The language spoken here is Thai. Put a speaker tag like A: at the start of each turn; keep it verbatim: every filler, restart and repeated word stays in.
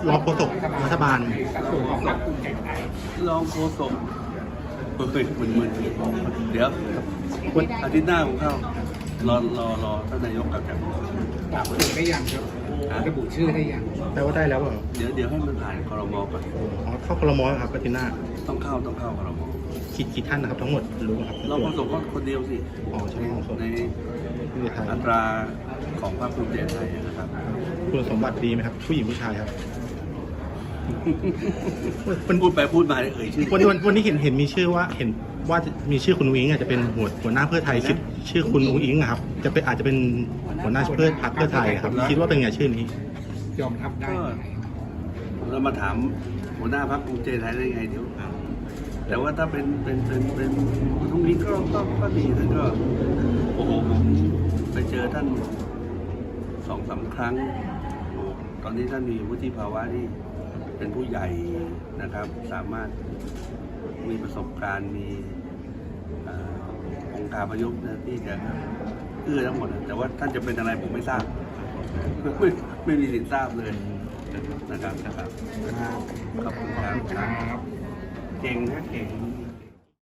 A: รองโฆษกรัฐบาล
B: รองโฆษกเฮ้ยมึนมึนเดี๋ยวอาทิตย์หน้าผมเข้ารอรอรอท่านนายกกลับจาก
C: ปรับระบุได้ยังครับระบุชื่อได้ยัง
A: แปลว่าได้แล้วเหรอ
B: เดี๋ยวเดี๋ยวให้มันผ่านครมก่อน
A: อ๋อเข้าครมครับอาทิตย์หน้า
B: ต้องเข้าต้องเข้าครม
A: คิดกี่ท่านนะครับทั้งหมดรู้ไหมครับ
B: รองโฆษกก็คนเดียวสิ
A: อ๋อใช่รองโฆษก
B: ใน
A: ที่ไทย
B: อัตราของพรรคภูมิใจไทยนะครับ
A: คุณสมบัติดีไหมครับ ผู้หญิงผู้ชายครับ
B: มันพูดไปพูดมาเลยเอ่ยชื่อ
A: วันวันวันนี้เห็นเห็นมีชื่อว่าเห็นว่าจะมีชื่อคุณอุ้งอิงอาจจะเป็นหัวหัวหน้าเพื่อไทยคิดชื่อคุณอุ้งอิงอะครับจะเป็นอาจจะเป็นหัวหน้าเพื่อพรรคเพื่อไทยครับคิดว่าเป็นไงชื่อนี้
C: ยอมรับได้ไหม
B: เรามาถามหัวหน้าพรรคภูมิใจไทยได้ไงเดี๋ยวแต่ว่าถ้าเป็นเป็นเป็นเป็นตรงนี้ก็ก็ก็ดีท่านก็โอ้โหผมไปเจอท่านสองสามครั้งโอ้ตอนนี้ท่านมีวุฒิภาวะที่เป็นผู้ใหญ่นะครับ สามารถมีประสบการณ์มีเอ่อองค์การประยุกต์นะที่จะเอื้อทั้งหมดนะแต่ว่าท่านจะเป็นอะไรผมไม่ทราบ ไม่ไม่มีสิทธิ์ทราบเลยนะครับนะครับขอบคุณครับ
C: ครับ
B: เก่งนะเก่ง